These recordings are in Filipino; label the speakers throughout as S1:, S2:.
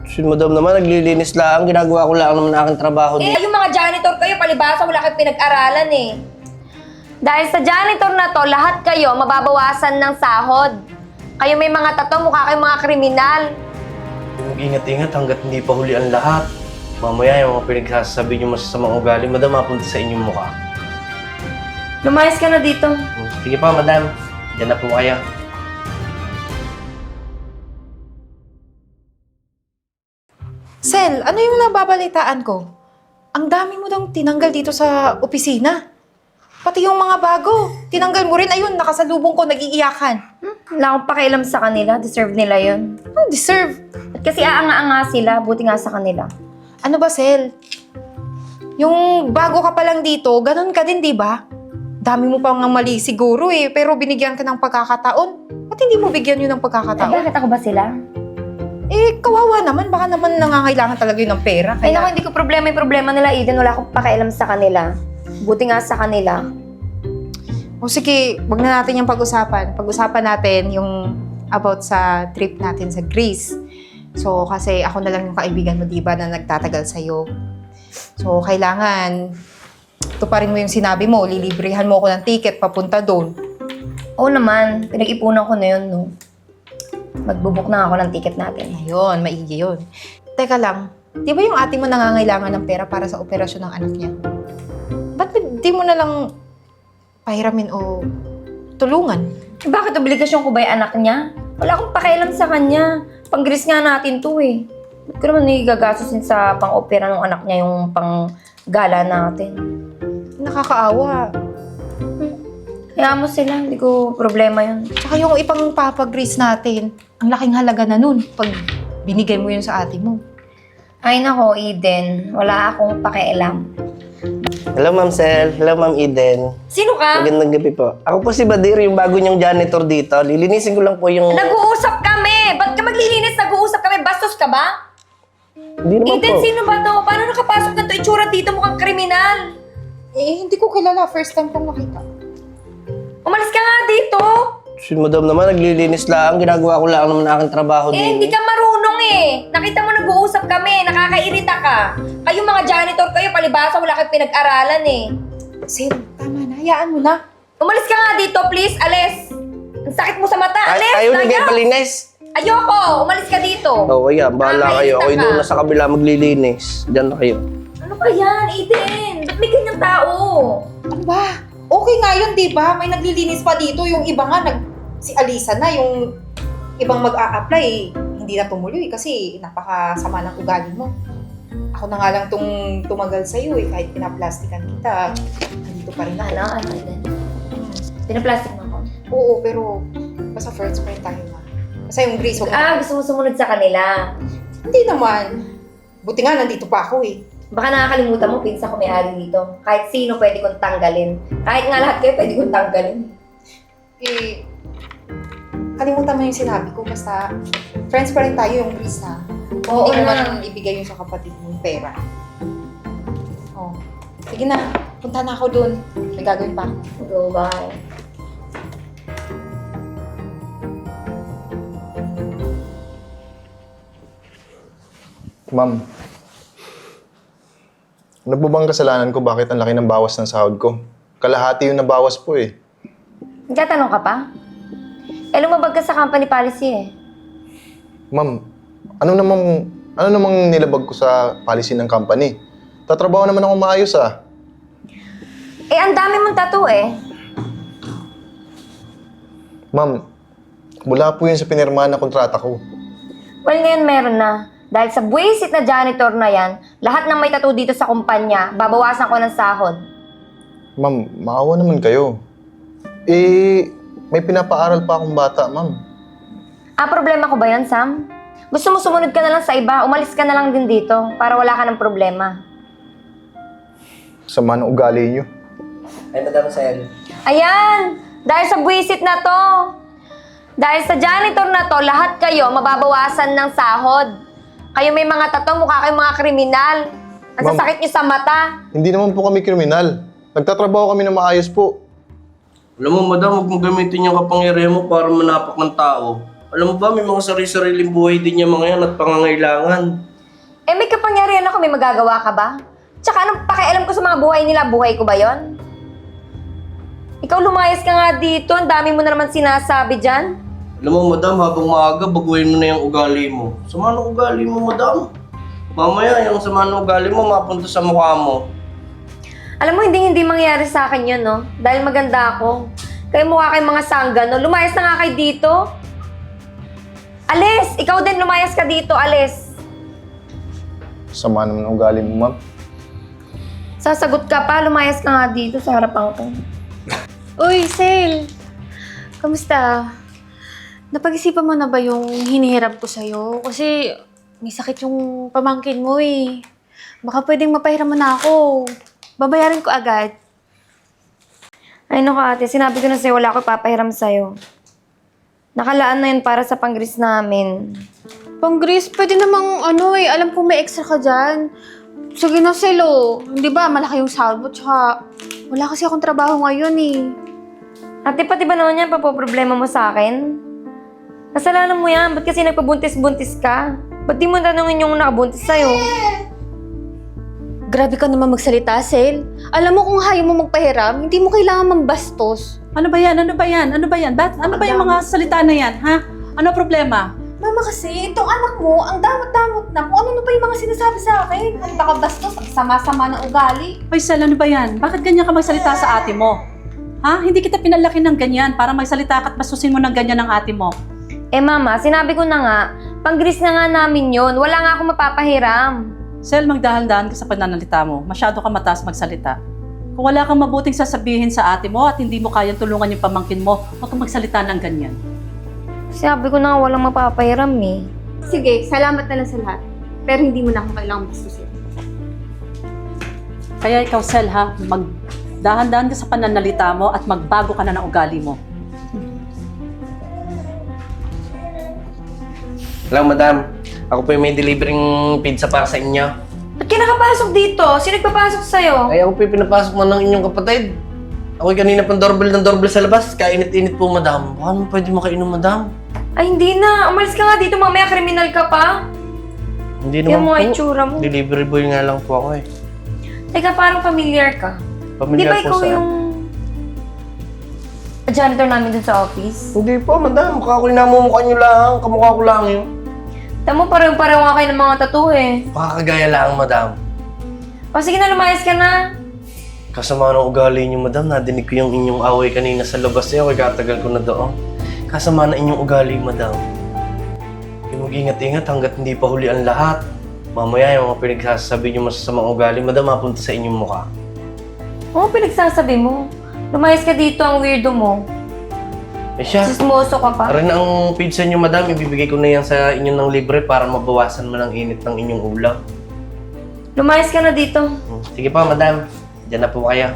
S1: Si madam naman, naglilinis lang. Ginagawa ko lang naman aking trabaho
S2: Eh,
S1: dito.
S2: yung mga janitor kayo, palibasa, wala kayong pinag-aralan eh. Dahil sa janitor na to, lahat kayo mababawasan ng sahod. Kayo may mga tato, mukha kayong mga kriminal.
S1: Mag-ingat-ingat hanggat hindi pa huli ang lahat. Mamaya yung mga pinagsasabi niyo masasamang ugali, madam, mapunta sa inyong mukha.
S2: Lumayas ka na dito.
S1: Sige pa, madam. Diyan na po kayo.
S3: Sel, ano yung nababalitaan ko? Ang dami mo daw tinanggal dito sa opisina. Pati yung mga bago, tinanggal mo rin. Ayun, nakasalubong ko, nag-iiyakan.
S2: Wala akong pakialam sa kanila. Deserve nila yun.
S3: Ano deserve?
S2: At kasi aanga-anga sila, buti nga sa kanila.
S3: Ano ba, Sel? Yung bago ka pa lang dito, ganun ka din, di ba? Dami mo pang mali siguro eh, pero binigyan ka ng pagkakataon. Ba't hindi mo bigyan yun ng
S2: Ay,
S3: pagkakataon?
S2: bakit ako ba sila?
S3: Eh, kawawa naman. Baka naman nangangailangan talaga yun ng pera.
S2: Ay,
S3: Kaya...
S2: naku, hindi ko problema yung problema nila, Eden. Wala akong pakialam sa kanila. Buti nga sa kanila.
S3: O sige, wag na natin yung pag-usapan. Pag-usapan natin yung about sa trip natin sa Greece. So, kasi ako na lang yung kaibigan mo, di ba, na nagtatagal sa'yo. So, kailangan tuparin mo yung sinabi mo. Lilibrihan mo ako ng ticket papunta doon.
S2: Oo naman, pinag-ipunan ko na yun, no? Magbubuk na ako ng ticket natin.
S3: Ayun, maigi yun. Teka lang, di ba yung ate mo nangangailangan ng pera para sa operasyon ng anak niya? Ba't di mo na lang pahiramin o tulungan?
S2: Eh, bakit obligasyon ko ba yung anak niya? Wala akong pakialam sa kanya. Pang-Greece nga natin to eh. Ba't ko naman nagigagastusin sa pang-opera ng anak niya yung pang-gala natin?
S3: Nakakaawa.
S2: Kaya mo sila, hindi ko problema yun.
S3: Tsaka yung ipang papag-Greece natin, ang laking halaga na nun pag binigay mo yun sa ate mo.
S2: Ay nako, Eden. Wala akong pakialam.
S1: Hello, Ma'am Sel. Hello, Ma'am Eden.
S2: Sino ka?
S1: Magandang gabi po. Ako po si Badir, yung bago niyong janitor dito. Lilinisin ko lang po yung...
S2: Nag-uusap kami! Ba't ka maglilinis? Nag-uusap kami? Bastos ka ba?
S1: Hindi naman
S2: Eden,
S1: po.
S2: sino ba to? Paano nakapasok na to? Itsura dito mukhang kriminal.
S3: Eh, hindi ko kilala. First time kong nakita.
S2: Umalis ka nga dito.
S1: Si madam naman, naglilinis lang. Ginagawa ko lang naman aking trabaho dito.
S2: Hindi ka marunong eh. Nakita mo nag-uusap kami. Nakakairita ka. Kayong mga janitor kayo, palibasa, wala kayong pinag-aralan eh.
S3: Sel, tama na. Hayaan mo na.
S2: Umalis ka nga dito, please. Alis. Ang sakit mo sa mata. Alis.
S1: Ayaw na kayo palinis.
S2: Ayoko. Umalis ka dito.
S1: Oo, yan. Bahala kayo. Ako
S2: Nakakairita
S1: doon
S2: ka.
S1: na sa kabila maglilinis. Diyan na kayo.
S2: Ano ba yan, Eden? Ba't may ganyang tao?
S3: Ano ba? Okay nga yun, di ba? May naglilinis pa dito. Yung iba nga, si Alisa na, yung ibang mag-a-apply, hindi na tumuloy kasi napakasama ng ugali mo. Ako na nga lang tumagal sa'yo eh, kahit pinaplastikan kita, nandito pa rin ako.
S2: Ano, Eden? Pinaplastic mo ako.
S3: Oo, pero basta first friend tayo na. Basta yung Grace, huwag na.
S2: Gusto mo sumunod sa kanila.
S3: Hindi naman. Buti nga, nandito pa ako eh.
S2: Baka nakakalimutan mo, pinsa ko may-ari dito. Kahit sino pwede kong tanggalin. Kahit nga lahat kayo pwede kong tanggalin.
S3: Eh, kalimutan mo yung sinabi ko, basta friends pa rin tayo yung Grace na.
S2: Oo
S3: Hindi mo
S2: na.
S3: man ibigay yung sa kapatid mo yung pera. Oh. Sige na, punta na ako dun. May gagawin pa ako.
S2: Go, bye.
S4: Ma'am, ano po bang kasalanan ko bakit ang laki ng bawas ng sahod ko? Kalahati yung nabawas po eh.
S2: Nagtatanong ka pa? Eh, lumabag ka sa company policy eh.
S4: Ma'am, ano namang nilabag ko sa policy ng company? Tatrabaho naman ako maayos ah.
S2: Eh, ang dami mong tattoo eh.
S4: Ma'am, wala po yun sa pinirmahan na kontrata ko.
S2: Well, ngayon meron na. Dahil sa buwisit na janitor na yan, lahat ng may tattoo dito sa kumpanya, babawasan ko ng sahod.
S4: Ma'am, maawa naman kayo. Eh, may pinapaaral pa akong bata, ma'am.
S2: Problema ko ba yan, Sam? Gusto mo sumunod ka na lang sa iba, umalis ka na lang din dito para wala ka ng problema.
S4: Sama ng ugali niyo.
S1: Ay, madam Sel.
S2: Ayan! Dahil sa buwisit na to, dahil sa janitor na to, lahat kayo mababawasan ng sahod. Kayo may mga tato, mukha kayong mga kriminal. Ang
S4: Ma'am,
S2: sasakit nyo sa mata.
S4: Hindi naman po kami kriminal. Nagtatrabaho kami na maayos po.
S1: Alam mo, madam, huwag mo gamitin yung kapangyarihan mo para manapak ng tao. Alam mo ba, may mga sarili-sariling buhay din yung mga yan at pangangailangan.
S2: Eh, may kapangyarihan ako, may magagawa ka ba? Tsaka anong pakialam ko sa mga buhay nila? Buhay ko ba yon? Ikaw lumayas ka nga dito, ang dami mo na naman sinasabi dyan.
S1: Alam mo, madam, habang maaga, baguhin mo na yung ugali mo. Sama ng ugali mo, madam. Mamaya, yung sama ng ugali mo, mapunta sa mukha mo.
S2: Alam mo, hindi mangyayari sa akin yun, no? Dahil maganda ako. Kayo mukha kayong mga sangga, no? Lumayas na nga kayo dito. Alis! Ikaw din, lumayas ka dito, alis.
S4: Sama naman ng ugali mo, ma'am.
S2: Sasagot ka pa, lumayas ka nga dito sa harapan ko.
S5: Uy, Sel! Kamusta? Napag-isipan mo na ba yung hinihirap ko sa'yo? Kasi may sakit yung pamangkin mo eh. Baka pwedeng mapahiram mo na ako. Babayaran ko agad.
S2: Ay naku ate, sinabi ko na sa'yo, wala ko papahiram sa'yo. Nakalaan na yun para sa pang-gris namin.
S5: Pang-Gris, pwede namang alam kong may extra ka dyan. Sige na, Sel, oh. Hindi ba, malaki yung salvo, tsaka wala kasi akong trabaho ngayon eh.
S2: Ate, pati ba naman yan, papoproblema mo sa akin? Kasalanan mo yan, ba't kasi nagpabuntis-buntis ka? Ba't di mo tanungin yung nakabuntis sa'yo?
S5: Grabe ka naman magsalita, Sel. Alam mo kung ayaw mo magpahiram, hindi mo kailangan mambastos.
S6: Ano ba yan? Ano ba yan? Ano ba yan? Ano ba yung mga salita na yan, ha? Ano problema?
S5: Mama kasi, itong anak mo, ang damot-damot na kung ano pa yung mga sinasabi sa akin. Ang baka bastos, ang sama-sama ng ugali.
S6: Hoy, Sel, ano ba yan? Bakit ganyan ka magsalita sa ate mo? Ha? Hindi kita pinalaki ng ganyan para magsalita ka at basusin mo ng ganyan ng ate mo.
S2: Eh mama, sinabi ko na nga, pang-gris na nga namin yun. Wala nga akong mapapahiram.
S6: Sel, magdahan-dahan ka sa pananalita mo. Masyado ka mataas magsalita. Kung wala kang mabuting sasabihin sa ate mo at hindi mo kayang tulungan yung pamangkin mo, huwag kang magsalita ng ganyan.
S2: Sinabi ko na nga walang mapapahiram eh.
S5: Sige, salamat na lang sa lahat. Pero hindi mo na akong kailangang bastusin.
S6: Kaya ikaw, Sel, ha? Magdahan-dahan ka sa pananalita mo at magbago ka na ng ugali mo.
S1: Alam, madam, ako po yung may delivering pizza para sa inyo.
S2: Ba't ka nakapasok dito? Sino nagpapasok sa'yo?
S1: Ay, ako po yung pinapasok man ng inyong kapatid. Ako'y kanina pang doorbell sa labas. Kainit-init po, madam. Baka naman pwede makainom, madam.
S2: Ay, hindi na. Umalis ka nga dito. Mamaya kriminal ka pa.
S1: Hindi
S2: Yung
S1: naman
S2: mga
S1: po.
S2: itsura mo.
S1: Delivery boy nga lang po ako eh.
S2: Teka, parang familiar ka. Di
S1: Pamilyar
S2: ba
S1: po
S2: ikaw
S1: sa...
S2: yung janitor namin dun sa office?
S1: Hindi po, madam. Mukha ko yung namumukha nyo lang. Kamukha ko lang yun.
S2: Tamo, pareho-pareho nga kayo ng mga tattoo eh.
S1: Pakakagaya lang, madam.
S2: O sige na, lumayas ka na.
S1: Kasama ng ugali niyo, madam. Nadinig ko yung inyong away kanina sa labas eh. Ako'y katagal ko na doon. Kasama na inyong ugali, madam. Yung mag-ingat-ingat hanggat hindi pa huli ang lahat. Mamaya yung mga pinagsasabi niyo masasamang ugali, madam, mapunta sa inyong mukha.
S2: Oo, pinagsasabi mo. Lumayas ka dito, ang weirdo mo.
S1: Eh siya,
S2: Sismoso ka pa.
S1: rin ang pizza niyo, madam. Ibibigay ko na yan sa inyo ng libre para mabawasan man ang init ng inyong ulam.
S2: Lumayas ka na dito.
S1: Sige pa, madam. Diyan na po kayo.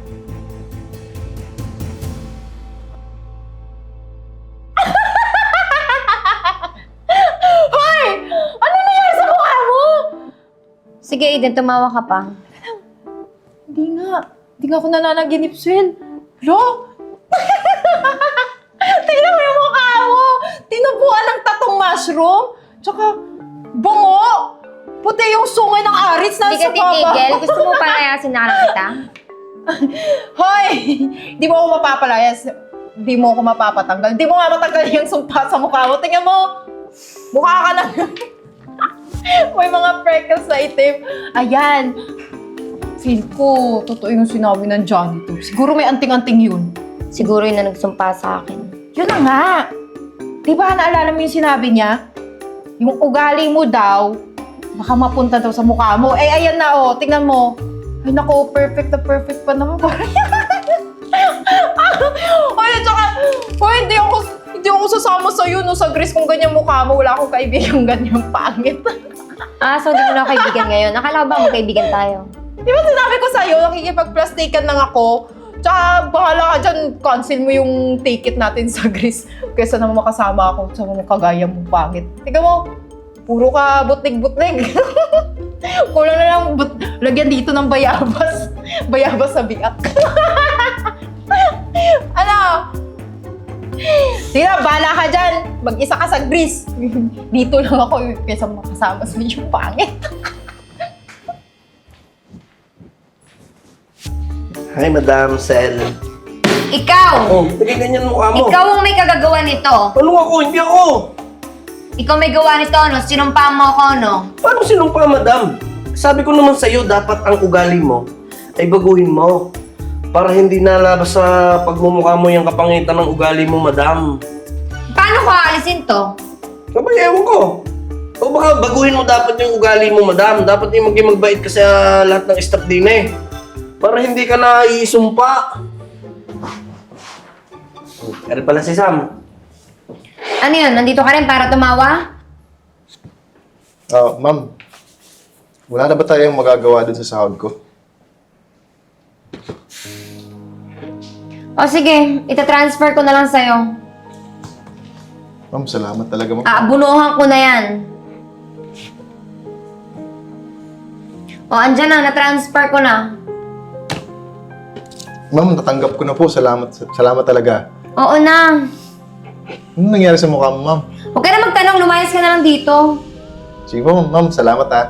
S2: Sige, Aiden, tumawa ka pa.
S3: Hindi nga ako nananaginip, Sel. Lo! Tingnan mo yung mukha mo! Tinubuan ng tatong mushroom, tsaka bungo! Puti yung sungay ng arits na
S2: Hindi
S3: sa
S2: ka titigil.
S3: baba.
S2: Gusto mo palayasin na kita?
S3: Hoy! Di mo ako mapapalayas. Di mo ako mapapatanggal. Di mo nga matanggal yung sumpa sa mukha mo. Tingnan mo! Mukha ka lang. May mga freckles na itim. Ayan. Feel ko, totoo yung sinabi ng janitor. Siguro may anting-anting yun.
S2: Siguro yun na nagsumpa sa akin.
S3: Yun na nga. Di ba naalala mo yung sinabi niya? Yung ugali mo daw, baka mapunta daw sa mukha mo. Eh, ayan na oh. Tingnan mo. Ay, naku, perfect na perfect pa naman. Ay, tsaka, hindi ako sasama sa'yo no, sa Greece kung ganyan mukha mo. Wala akong kaibigan ganyan pangit.
S2: Ah, so di mo na ako kaibigan ngayon. Akala ko ba magkaibigan tayo?
S3: Di ba sinabi ko sa'yo, nakikipag-plastikan lang ako. Tsaka, bahala ka dyan, cancel mo yung ticket natin sa Greece. Kaysa naman makasama ako sa mga kagaya mong pangit. Tingnan mo, puro ka butlig-butlig. Kulang na lang, lagyan dito ng bayabas. Bayabas sa biak. Ano? Sige na, bahala ka dyan. Mag-isa ka sa Greece. Dito lang ako kaysa makasama sa medyo pangit.
S1: Hi, Madam Sel.
S2: Ikaw!
S1: Oh, ganyan mukha mo.
S2: Ikaw ang may kagagawa nito.
S1: Ano ako? Hindi ako.
S2: Ikaw may gawa nito, no? Sinumpa mo ako, no?
S1: Paano sinumpa, Madam? Sabi ko naman sa'yo, dapat ang ugali mo ay baguhin mo. Para hindi nalabas sa pagmumukha mo yung kapangitan ng ugali mo, Madam.
S2: Paano ko aalisin to?
S1: Kapag ewan ko. O baka baguhin mo dapat yung ugali mo, Madam. Dapat yung maging magbait ka sa lahat ng staff din eh. Para hindi ka na iisumpa. Ano pala si Sam?
S2: Ano yun? Nandito ka rin para tumawa?
S4: Ma'am, wala na ba tayong magagawa dun sa sahod ko?
S2: O sige, itatransfer ko na lang sa'yo.
S4: Ma'am, salamat talaga, ma'am.
S2: Aabunuhan ko na yan. O, andyan na, natransfer ko na.
S4: Ma'am, natanggap ko na po. Salamat talaga.
S2: Oo na.
S4: Ano nangyari sa mukha mo, ma'am?
S2: Huwag ka na magtanong, lumayas ka na lang dito.
S4: Sige po, ma'am. Salamat, ha.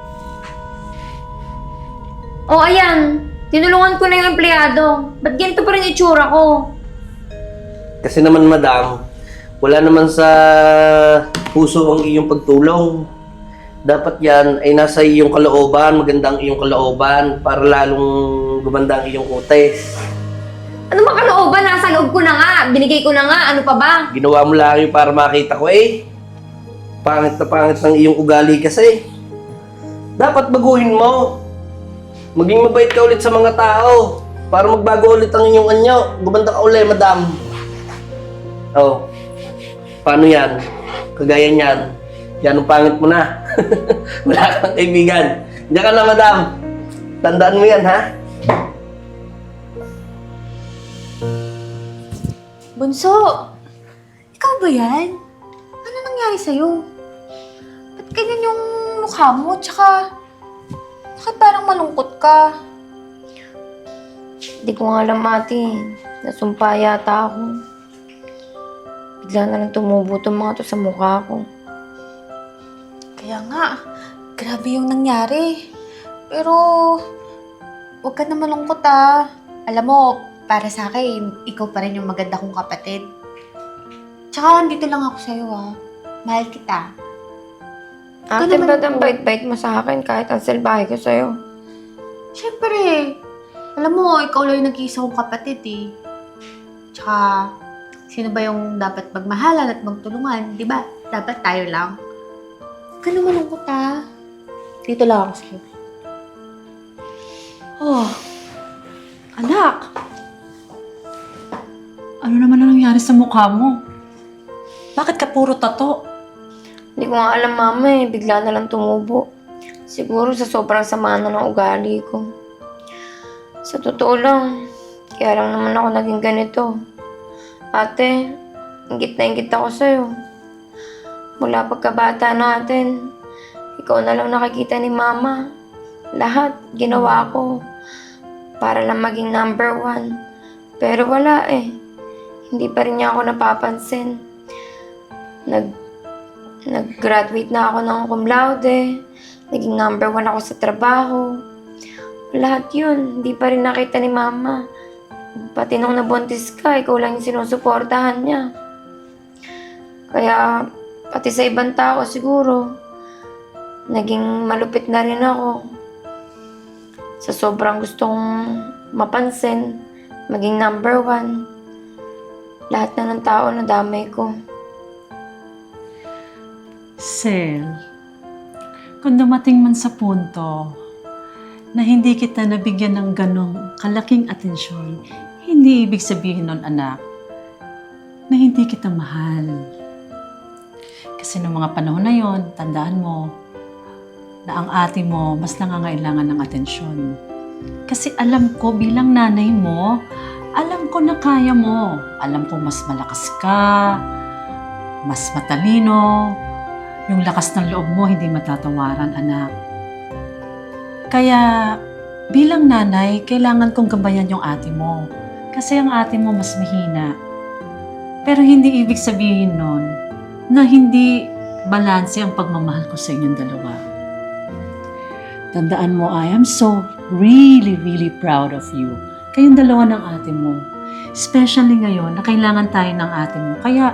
S2: O, ayan. Tinulungan ko na yung empleyado. Ba't ganito pa rin itsura ko?
S1: Kasi naman, Madam, wala naman sa puso ang iyong pagtulong. Dapat yan ay nasa iyong kalooban, magandang iyong kalooban para lalong gumanda ang iyong utes.
S2: Ano ba kalooban? Nasa loob ko na nga. Binigay ko na nga. Ano pa ba?
S1: Ginawa mo lang yun para makita ko eh. Pangit na pangit ng iyong ugali kasi. Dapat baguhin mo. Maging mabait ka ulit sa mga tao para magbago ulit ang inyong anyo. Gumanda ka ulit, Madam. Oh, paano yan? Kagaya niyan. Yan ang pangit mo na. Wala kang kaibigan. Diyan ka na, Madam. Tandaan mo yan, ha?
S5: Bunso, ikaw ba yan? Ano nangyari sa'yo? Ba't ganyan yung mukha mo? Tsaka, bakit parang malungkot ka?
S2: Hindi ko nga alam, ate. Nasumpa yata ako. Bigla na lang tumubo itong mga to sa mukha ko.
S5: Kaya nga, grabe yung nangyari. Pero, huwag ka na malungkot ah. Alam mo, para sa akin, ikaw pa rin yung maganda kong kapatid. Tsaka, andito lang ako sa'yo ah. Mahal kita.
S2: Ate,
S5: naman
S2: ba't ang
S5: po.
S2: bait-bait mo sa akin kahit ang salbahe ko sa'yo?
S5: Siyempre, alam mo, ikaw lang yung nag-iisa kong kapatid eh. Tsaka, sino ba yung dapat magmahalan at magtulungan, di ba? Dapat tayo lang. Huwag ka na malungkot ah. Dito lang ako sa'yo.
S6: Oh, anak. Ano naman ang nangyari sa mukha mo? Bakit ka puro tato?
S2: Hindi ko nga alam, mama eh. Bigla na lang tumubo. Siguro sa sobrang sama na ng ugali ko. Sa totoo lang, kaya lang naman ako naging ganito. Ate, ingit na ingit ako sa'yo. Mula pagkabata natin, ikaw na lang nakikita ni mama. Lahat ginawa ko para lang maging number 1. Pero wala eh. Hindi pa rin niya ako napapansin. Nag-graduate na ako ng cum laude. Naging number 1 ako sa trabaho. Lahat yun, hindi pa rin nakita ni mama. Pati nung nabuntis ka, ikaw lang yung sinusuportahan niya. Kaya, pati sa ibang tao siguro, naging malupit na rin ako. Sa sobrang gustong mapansin, maging number 1. Lahat na ng tao nadamay ko.
S6: Sel, kung dumating man sa punto na hindi kita nabigyan ng ganong kalaking atensyon, hindi ibig sabihin nun, anak, na hindi kita mahal. Kasi noong mga panahon na yon, tandaan mo na ang ate mo mas nangangailangan ng atensyon. Kasi alam ko bilang nanay mo, alam ko na kaya mo. Alam ko mas malakas ka, mas matalino. Yung lakas ng loob mo, hindi matatawaran, anak. Kaya, bilang nanay, kailangan kong gabayan yung ate mo. Kasi ang ate mo mas mahina. Pero hindi ibig sabihin nun na hindi balanse ang pagmamahal ko sa inyong dalawa. Tandaan mo, I am so really, really proud of you. Kayong dalawa ng ate mo. Especially ngayon na kailangan tayo ng ate mo. Kaya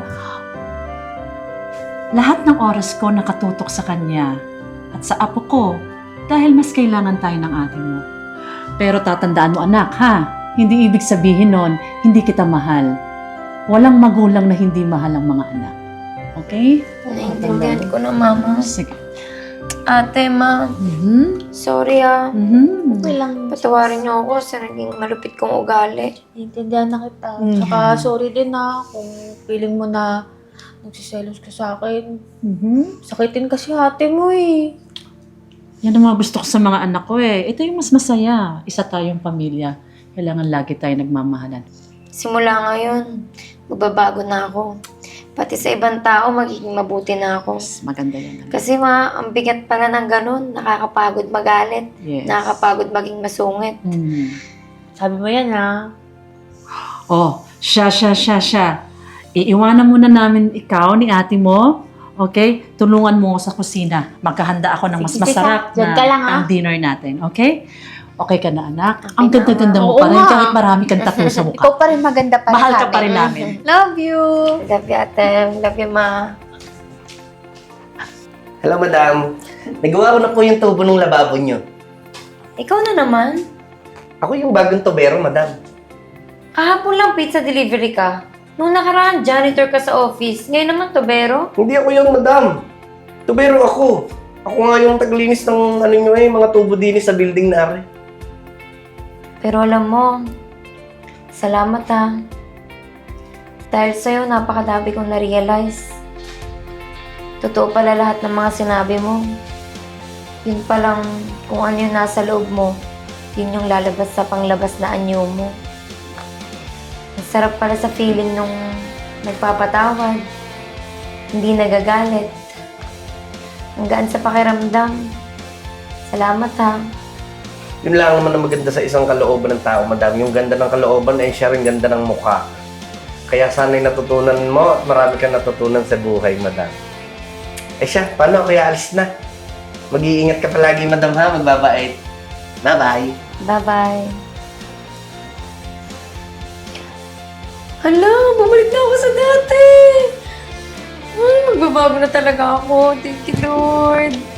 S6: lahat ng oras ko nakatutok sa kanya at sa apo ko dahil mas kailangan tayo ng ate mo. Pero tatandaan mo anak ha, hindi ibig sabihin nun hindi kita mahal. Walang magulang na hindi mahal ang mga anak. Okay?
S2: Naiintindihan ko na, Mama.
S6: Sige.
S2: Ate, Ma, sorry
S5: Okay lang.
S2: Patawarin niyo ako sa naging malupit kong ugali.
S5: Naiintindihan na kita. Tsaka sorry din na kung feeling mo na nagsiselos ka sa akin. Sakitin kasi ate mo eh.
S6: Yan ang mga gusto ko sa mga anak ko eh. Ito yung mas masaya. Isa tayong pamilya. Kailangan lagi tayo nagmamahalan.
S2: Simula ngayon, magbabago na ako. Pati sa ibang tao, magiging mabuti na ako.
S6: Mas maganda yan.
S2: Kasi ang bigat pala ng ganun. Nakakapagod magalit.
S6: Yes.
S2: Nakakapagod maging masungit.
S5: Sabi mo yan ha.
S6: Oh, siya. Iiwanan muna namin ikaw ni ate mo. Okay? Tulungan mo sa kusina. Magkahanda ako ng mas
S5: Sige,
S6: masarap
S5: Diyan ka lang, ha?
S6: ang dinner natin. Okay? Okay ka na, anak?
S2: Okay
S6: Ang
S2: na,
S6: ganda-ganda mo
S5: Oo
S6: pa rin
S5: nga.
S6: kahit marami kang tattoo sa mukha.
S3: Ikaw pa rin maganda para
S6: Mahal
S3: sa
S6: ka pa rin
S3: amin.
S6: namin.
S3: Love you!
S2: Love you, ate. Love you, Ma.
S1: Hello, madam. Nagawa ko na po yung tubo ng lababo nyo.
S2: Ikaw na naman.
S1: Ako yung bagong tubero, madam.
S2: Kahapon lang pizza delivery ka. Nung nakaraan, janitor ka sa office. Ngayon naman, tubero.
S1: Hindi ako yung madam. Tubero ako. Ako nga yung taglinis ng mga tubo din sa building na ari.
S2: Pero alam mo, salamat ha. Dahil sa'yo, napakadami kong na-realize. Totoo pala lahat ng mga sinabi mo. Yun palang kung ano yung nasa loob mo, yun yung lalabas sa panglabas na anyo mo. Ang sarap pala sa feeling nung nagpapatawad, hindi nagagalit. Ang gaan sa pakiramdam. Salamat ha.
S1: Yun lang naman ang maganda sa isang kalooban ng tao, madam. Yung ganda ng kalooban ay siya rin ganda ng mukha. Kaya sana'y natutunan mo at marami kang natutunan sa buhay, madam. Eh siya, paano? Kaya alis na. Mag-iingat ka palagi, madam ha. Magbabait. Bye-bye.
S2: Bye-bye. Hala, bumalik na ako sa dati. Ay, magbabago na talaga ako. Thank you, Lord.